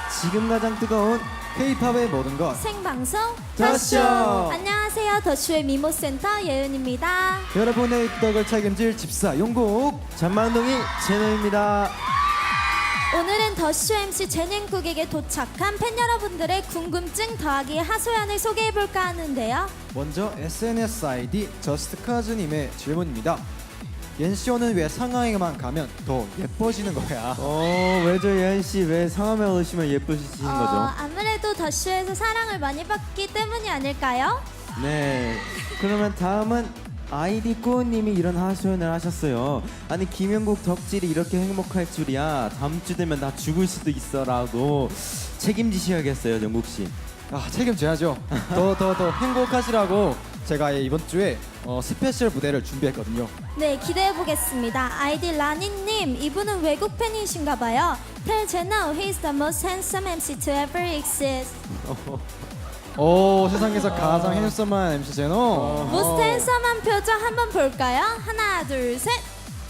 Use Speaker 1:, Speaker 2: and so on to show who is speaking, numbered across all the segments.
Speaker 1: 지금 가장 뜨거운
Speaker 2: K-팝의 모든 것
Speaker 3: 생방송
Speaker 1: 더쇼!
Speaker 3: 안녕하세요. 더쇼의 미모센터 예은입니다.
Speaker 2: 여러분의 입덕을 책임질 집사 용국
Speaker 1: 잔만동이 제노입니다.
Speaker 3: 오늘은 더쇼 MC 제닝국에게 도착한 팬 여러분들의 궁금증 더하기 하소연을 소개해볼까 하는데요.
Speaker 2: 먼저 SNS ID 저스트카즈님의 질문입니다. 옌시오는 왜 상하이만 가면 더 예뻐지는 거야?
Speaker 1: 왜죠 예은씨, 왜 상암에 오시면 예쁘시는 거죠?
Speaker 3: 아무래도 더쇼에서 사랑을 많이 받기 때문이 아닐까요?
Speaker 1: 네, 그러면 다음은 아이디 꾸우님이 이런 하소연을 하셨어요. 아니 김영국 덕질이 이렇게 행복할 줄이야. 다음 주 되면 나 죽을 수도 있어라고 책임지셔야겠어요, 영국씨.
Speaker 2: 책임져야죠. 더 행복하시라고 제가 이번 주에 스페셜 무대를 준비했거든요.
Speaker 3: 네, 기대해보겠습니다. 아이디 라니님, 이분은 외국 팬이신가 봐요. Tell Jeno he's the most handsome MC to ever exist.
Speaker 2: 세상에서 가장 핸섬한 MC 제노.
Speaker 3: most handsome한 표정 한번 볼까요? 하나, 둘, 셋.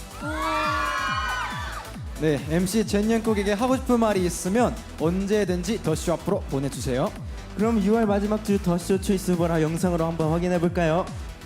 Speaker 2: 네, MC 젠영국에게 하고 싶은 말이 있으면 언제든지 더쇼 앞으로 보내주세요.
Speaker 1: 그럼 6월 마지막 주 더쇼 초이스 보라 영상으로 한번 확인해 볼까요?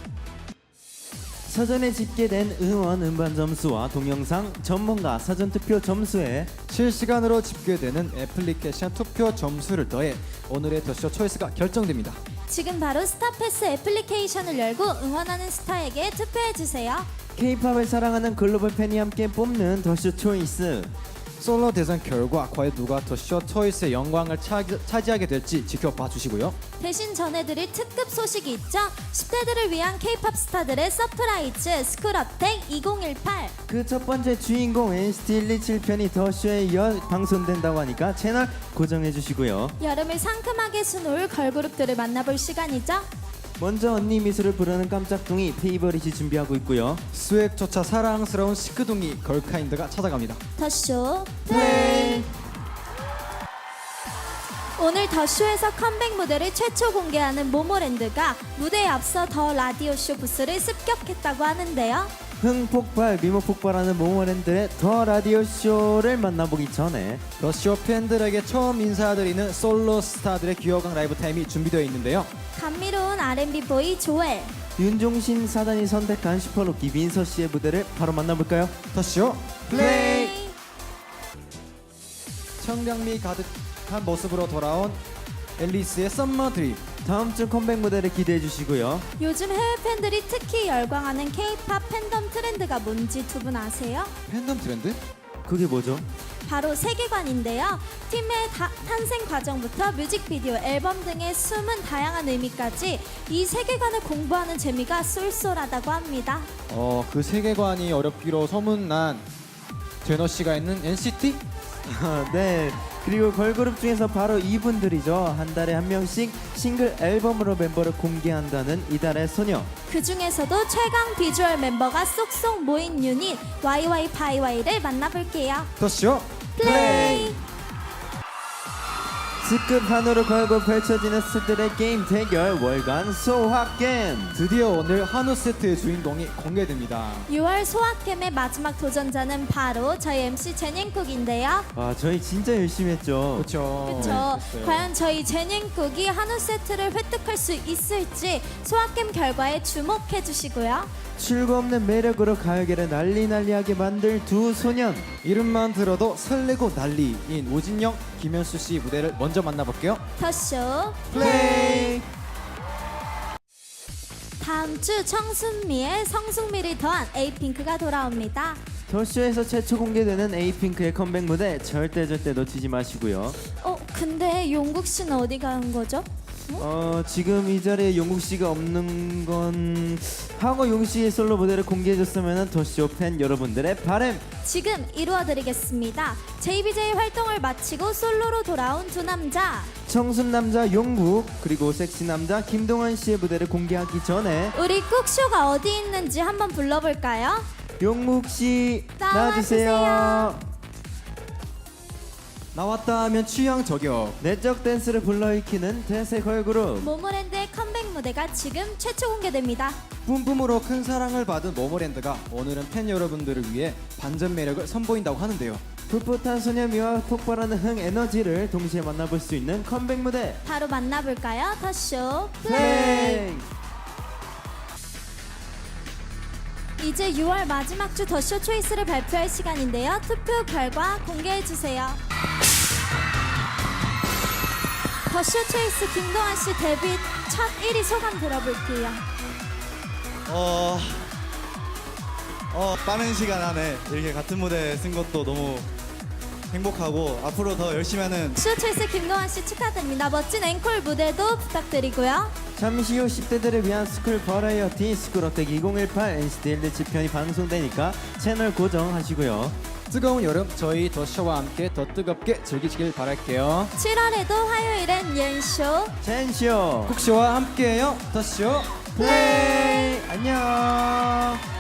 Speaker 1: 사전에 집계된 응원 음반 점수와 동영상 전문가 사전 투표 점수에
Speaker 2: 실시간으로 집계되는 애플리케이션 투표 점수를 더해 오늘의 더쇼 초이스가 결정됩니다.
Speaker 3: 지금 바로 스타패스 애플리케이션을 열고 응원하는 스타에게 투표해주세요.
Speaker 1: K-팝을 사랑하는 글로벌 팬이 함께 뽑는 더쇼 초이스.
Speaker 2: 솔로 대선 결과 과연 누가 더쇼 초이스의 영광을 차지하게 될지 지켜봐 주시고요.
Speaker 3: 대신 전해드릴 특급 소식이 있죠. 10대들을 위한 K-팝 스타들의 서프라이즈 스쿨업텍 2018.
Speaker 1: 그 첫 번째 주인공 NCT 127 편이 더쇼에 이어 방송된다고 하니까 채널 고정해 주시고요.
Speaker 3: 여름을 상큼하게 수놓을 걸그룹들을 만나볼 시간이죠.
Speaker 1: 먼저 언니 미소를 부르는 깜짝둥이 페이버릿이 준비하고 있고요.
Speaker 2: 스웩조차 사랑스러운 시크둥이 걸카인드가 찾아갑니다.
Speaker 3: 더쇼
Speaker 1: 플레이!
Speaker 3: 오늘 더쇼에서 컴백 무대를 최초 공개하는 모모랜드가 무대에 앞서 더 라디오쇼 부스를 습격했다고 하는데요.
Speaker 1: 흥폭발 미모폭발하는 모모랜드의 더 라디오 쇼를 만나보기 전에
Speaker 2: 더쇼 팬들에게 처음 인사드리는 솔로 스타들의 귀여운 라이브 타임이 준비되어 있는데요.
Speaker 3: 감미로운 R&B 보이 조엘,
Speaker 1: 윤종신 사단이 선택한 슈퍼루키 민서 씨의 무대를 바로 만나볼까요?
Speaker 2: 더쇼
Speaker 1: 플레이!
Speaker 2: 청량미 가득한 모습으로 돌아온 앨리스의 썸머 드림.
Speaker 1: 다음 주 컴백 무대를 기대해 주시고요.
Speaker 3: 요즘 해외 팬들이 특히 열광하는 K-팝 팬덤 트렌드가 뭔지 두 분 아세요?
Speaker 2: 팬덤 트렌드?
Speaker 1: 그게 뭐죠?
Speaker 3: 바로 세계관인데요. 팀의 탄생 과정부터 뮤직비디오, 앨범 등의 숨은 다양한 의미까지 이 세계관을 공부하는 재미가 쏠쏠하다고 합니다.
Speaker 2: 그 세계관이 어렵기로 소문난 제너 씨가 있는 NCT?
Speaker 1: 네. 그리고 걸그룹 중에서 바로 이분들이죠. 한 달에 한 명씩 싱글 앨범으로 멤버를 공개한다는 이달의 소녀.
Speaker 3: 그 중에서도 최강 비주얼 멤버가 쏙쏙 모인 유닛 YY파이Y를 만나볼게요.
Speaker 2: 더쇼
Speaker 3: 플레이!
Speaker 1: 특급 한우로 걸고 펼쳐지는 스들의 게임 대결 월간 소확겜.
Speaker 2: 드디어 오늘 한우 세트의 주인공이 공개됩니다.
Speaker 3: 6월 소확겜의 마지막 도전자는 바로 저희 MC 제닝국인데요.
Speaker 1: 저희 진짜 열심히 했죠.
Speaker 2: 그렇죠.
Speaker 3: 그쵸? 과연 저희 제닝국이 한우 세트를 획득할 수 있을지 소확겜 결과에 주목해 주시고요.
Speaker 1: 출구 없는 매력으로 가요계를 난리하게 만들 두 소년.
Speaker 2: 이름만 들어도 설레고 난리인 우진영, 김현수 씨 무대를 먼저 만나볼게요.
Speaker 3: 더쇼
Speaker 1: 플레이!
Speaker 3: 다음 주 청순미의 성숙미를 더한 에이핑크가 돌아옵니다.
Speaker 1: 더쇼에서 최초 공개되는 에이핑크의 컴백 무대 절대 놓치지 마시고요.
Speaker 3: 근데 용국 씨는 어디 간 거죠?
Speaker 1: 지금 이 자리에 용국 씨가 없는 건 하고 용국 씨의 솔로 무대를 공개해줬으면 더쇼 팬 여러분들의 바램.
Speaker 3: 지금 이루어드리겠습니다. JBJ 활동을 마치고 솔로로 돌아온 두 남자.
Speaker 1: 청순 남자 용국 그리고 섹시 남자 김동완 씨의 무대를 공개하기 전에
Speaker 3: 우리 꾹쇼가 어디 있는지 한번 불러볼까요?
Speaker 1: 용국 씨
Speaker 3: 나와주세요.
Speaker 1: 나와주세요.
Speaker 2: 나왔다 하면 취향 저격.
Speaker 1: 내적 댄스를 불러일으키는 대세 걸그룹
Speaker 3: 모모랜드의 컴백 무대가 지금 최초 공개됩니다.
Speaker 2: 뿜뿜으로 큰 사랑을 받은 모모랜드가 오늘은 팬 여러분들을 위해 반전 매력을 선보인다고 하는데요.
Speaker 1: 풋풋한 소녀미와 폭발하는 흥 에너지를 동시에 만나볼 수 있는 컴백 무대
Speaker 3: 바로 만나볼까요? 더쇼
Speaker 1: 플레이.
Speaker 3: 이제 6월 마지막 주 더쇼 초이스를 발표할 시간인데요. 투표 결과 공개해주세요. 더쇼 초이스 김동완 씨 데뷔 첫 1위 소감 들어볼게요.
Speaker 4: 빠른 시간 안에 이렇게 같은 무대에 쓴 것도 너무 행복하고 앞으로 더 열심히 하는
Speaker 3: 더쇼 초이스 김동완 씨 축하드립니다. 멋진 앵콜 무대도 부탁드리고요.
Speaker 1: 잠시 후 10대들을 위한 스쿨 버라이어티 스쿨어택 2018 NCT 1대 편이 방송되니까 채널 고정하시고요.
Speaker 2: 뜨거운 여름 저희 더쇼와 함께 더 뜨겁게 즐기시길 바랄게요.
Speaker 3: 7월에도 화요일엔 옌쇼
Speaker 1: 젠쇼
Speaker 2: 쿡쇼와 함께해요. 더쇼
Speaker 1: 플레이. 안녕.